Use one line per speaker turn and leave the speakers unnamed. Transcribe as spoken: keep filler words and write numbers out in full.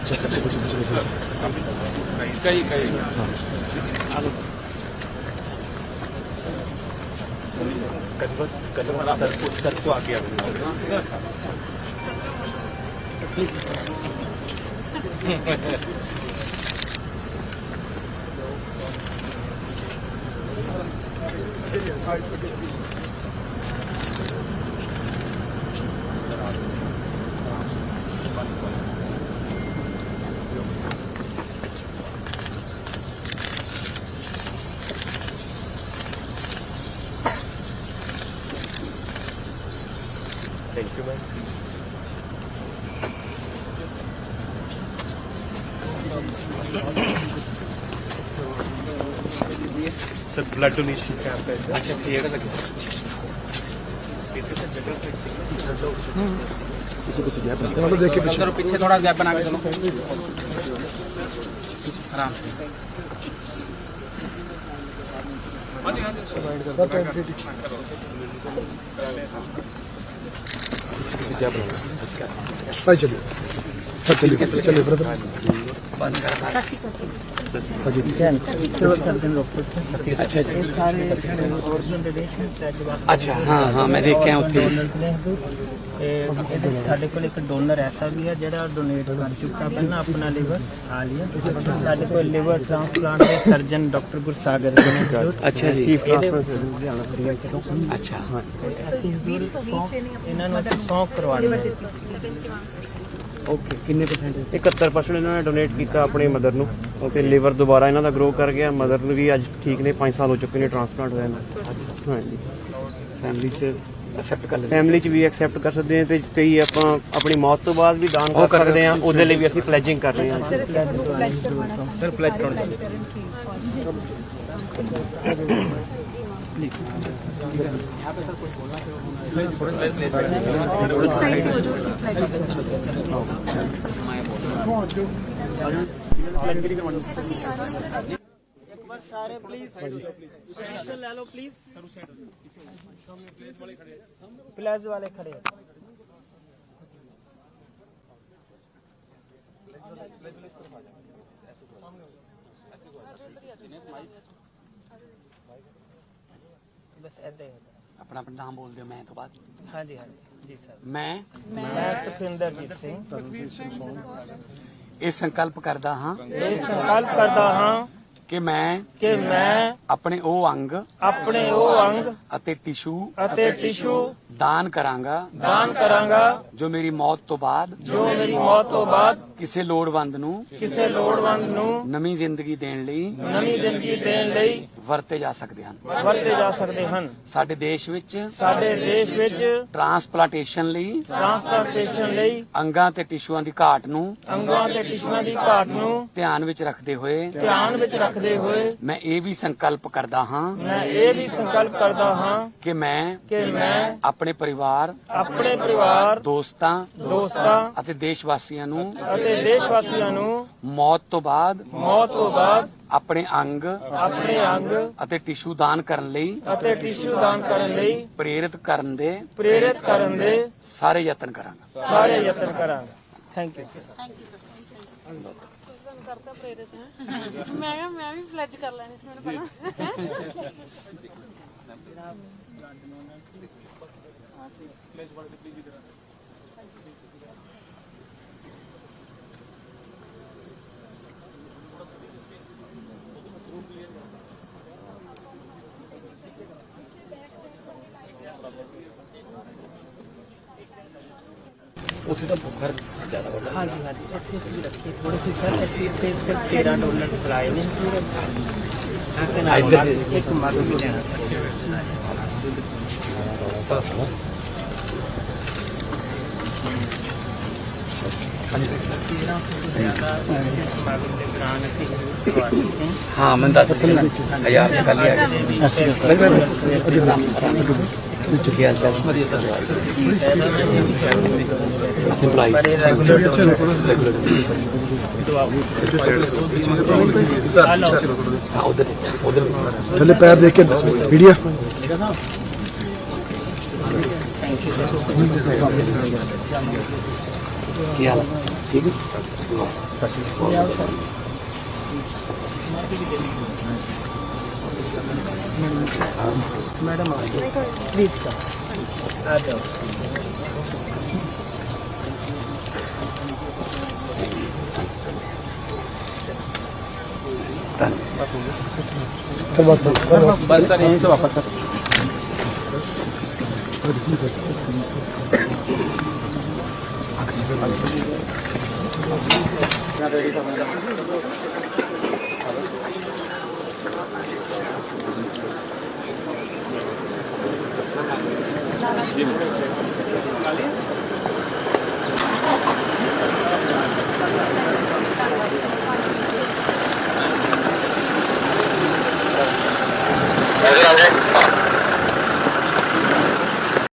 कई कई sir sir को आगे Thank you, man. Sir blood donation camp है। अच्छा ठीक है।
चलो देख के पीछे
पीछे थोड़ा गैप बना के चलो आराम से।
भाई चलिए सर चलिए चलिए ब्रदर
अच्छा हाँ हाँ मैं देख के उत्थे
ਸਾਡੇ ਕੋਲ ਇੱਕ ਡੋਨਰ ਐਸਾ ਵੀ ਹੈ ਜਿਹੜਾ ਡੋਨੇਟ ਕਰ ਚੁੱਕਾ ਪਹਿਲਾਂ ਆਪਣਾ ਲਿਵਰ ਹਾਲੀਆ ਸਾਡੇ ਕੋਲ ਲਿਵਰ ਟ੍ਰਾਂਸਪਲਾਂਟ ਦੇ ਸਰਜਨ ਡਾਕਟਰ ਗੁਰਸਾਗਰ ਜੀ ਨੇ।
ਅੱਛਾ ਜੀ ਅੱਛਾ
ਇਹਨਾਂ ਨੂੰ ਅਸੀਂ ਸੌਂਪ ਕਰਵਾਉਣੀ ਹੈ।
ਓਕੇ ਕਿੰਨੇ ਪਰਸੈਂਟ
ਇਕਹੱਤਰ ਪਰਸੈਂਟ ਇਹਨਾਂ ਨੇ ਡੋਨੇਟ ਕੀਤਾ ਆਪਣੀ ਮਦਰ ਨੂੰ ਤੇ ਲਿਵਰ ਦੁਬਾਰਾ ਇਹਨਾਂ ਦਾ ਗਰੋ ਕਰ ਗਿਆ। ਮਦਰ ਨੂੰ ਵੀ ਅੱਜ ਠੀਕ ਨੇ, ਪੰਜ ਸਾਲ ਹੋ ਚੁੱਕੇ ਨੇ ਟ੍ਰਾਂਸਪਲਾਂਟ ਹੋਇਆ ਇਹਨਾਂ।
ਅੱਛਾ
ਹਾਂਜੀ
ਫੈਮਿਲੀ ਚ ਐਕਸੈਪਟ ਕਰ ਲੈਂਦੇ
ਫੈਮਿਲੀ ਚ ਵੀ ਐਕਸੈਪਟ ਕਰ ਸਕਦੇ ਹਾਂ ਤੇ ਕਈ ਆਪਾਂ ਆਪਣੀ ਮੌਤ ਤੋਂ ਬਾਅਦ ਵੀ ਦਾਨ ਕਰ ਸਕਦੇ ਹਾਂ। ਉਹਦੇ ਲਈ ਵੀ ਅਸੀਂ ਪਲੇਜਿੰਗ ਕਰ ਰਹੇ ਹਾਂ।
सर प्लेज कराना चाहिए
ਸਾਰੇ ਪਲੀਜ਼ ਸੈਸ਼ਨ ਲੈ ਲਓ ਪਲੀਜ਼। ਪਲੇਜ ਵਾਲੇ ਖੜੇ बस ऐसे ही
अपना अपना नाम बोल दो मैं तो बाद
हाँ जी हाँ जी जी सर
मैं
मैं सुखविंदरजीत सिंह
ਇਹ ਸੰਕਲਪ ਕਰਦਾ ਹਾਂ
ਇਹ ਸੰਕਲਪ ਕਰਦਾ ਹਾਂ
ਕਿ ਮੈਂ
ਕਿ ਮੈਂ
ਆਪਣੇ ਉਹ ਅੰਗ
ਆਪਣੇ ਉਹ ਅੰਗ
ਅਤੇ ਟਿਸ਼ੂ
ਅਤੇ ਟਿਸ਼ੂ
ਦਾਨ ਕਰਾਂਗਾ
ਦਾਨ ਕਰਾਂਗਾ
ਜੋ ਮੇਰੀ ਮੌਤ ਤੋਂ ਬਾਅਦ
ਜੋ ਮੇਰੀ ਮੌਤ ਤੋਂ ਬਾਅਦ
ਕਿਸੇ ਲੋੜਵੰਦ ਨੂੰ
ਕਿਸੇ ਲੋੜਵੰਦ ਨੂੰ
ਨਵੀਂ ਜ਼ਿੰਦਗੀ ਦੇਣ ਲਈ
ਨਵੀਂ ਜ਼ਿੰਦਗੀ ਦੇਣ ਲਈ
ਵਰਤੇ ਜਾ ਸਕਦੇ ਹਨ।
ਵਰਤੇ ਜਾ ਸਕਦੇ ਹਨ।
ਸਾਡੇ ਦੇਸ਼ ਵਿੱਚ
ਸਾਡੇ ਦੇਸ਼ ਵਿੱਚ
ਟ੍ਰਾਂਸਪਲਾਂਟੇਸ਼ਨ ਲਈ
ਟ੍ਰਾਂਸਪਲਾਂਟੇਸ਼ਨ ਲਈ
ਅੰਗਾਂ ਤੇ ਟਿਸ਼ੂਆਂ ਦੀ ਘਾਟ ਨੂੰ
ਅੰਗਾਂ ਤੇ ਟਿਸ਼ੂਆਂ ਦੀ ਘਾਟ ਨੂੰ
ਧਿਆਨ ਵਿੱਚ ਰੱਖਦੇ ਹੋਏ
ਧਿਆਨ ਵਿੱਚ ਰੱਖਦੇ ਹੋਏ
ਮੈਂ ਇਹ ਵੀ ਸੰਕਲਪ ਕਰਦਾ ਹਾਂ
ਮੈਂ ਇਹ ਵੀ ਸੰਕਲਪ ਕਰਦਾ ਹਾਂ
ਕਿ ਮੈਂ
ਕਿ ਮੈਂ
ਆਪਣੇ ਪਰਿਵਾਰ
ਆਪਣੇ ਪਰਿਵਾਰ
ਦੋਸਤਾਂ
ਦੋਸਤਾਂ
ਅਤੇ ਦੇਸ਼ ਵਾਸੀਆਂ ਨੂੰ
ਅਤੇ ਦੇਸ਼ ਵਾਸੀਆਂ ਨੂੰ
ਮੌਤ ਤੋਂ ਬਾਅਦ
ਮੌਤ ਤੋਂ ਬਾਅਦ
ਆਪਣੇ ਅੰਗ
ਆਪਣੇ ਅੰਗ
ਅਤੇ ਟਿਸ਼ੂ ਦਾਨ ਕਰਨ ਲਈ
ਅਤੇ ਟਿਸ਼ੂ ਦਾਨ ਕਰਨ ਲਈ
ਪ੍ਰੇਰਿਤ ਕਰਨ ਦੇ
ਪ੍ਰੇਰਿਤ ਕਰਨ ਦੇ
ਸਾਰੇ ਯਤਨ ਕਰਾਂਗਾ।
ਸਾਰੇ ਯਤਨ ਕਰਾਂਗੇ। ਥੈਂਕ ਯੂ
ਕਰਤਾ ਪ੍ਰੇਰਿਤ ਹੈ ਮੈਂ ਕਿਹਾ ਮੈਂ ਵੀ ਫਲੈਜ ਕਰ ਲੈਣੀ ਸੀ ਮੈਨੂੰ ਪਹਿਲਾਂ
ਉੱਥੇ ਤਾਂ ਬੁਖਾਰ ਜ਼ਿਆਦਾ ਵੱਡਾ
हाँ जी हाँ जी अच्छे से भी रखिए थोड़ी सी सर ऐसी पे सिर्फ तेरह डॉलर फराए ने एक मालूम भी देना
हाँ मैं दस हजार कर लिया चुकिया
चले पैर देख के वीडियो
ਕੀ ਹਾਲ ਹੈ? ਠੀਕ ਹੈ।
मैडम आ जाओ प्लीज सर आ जाओ
चल बात कर
बस सर यहीं से वापस सर
जी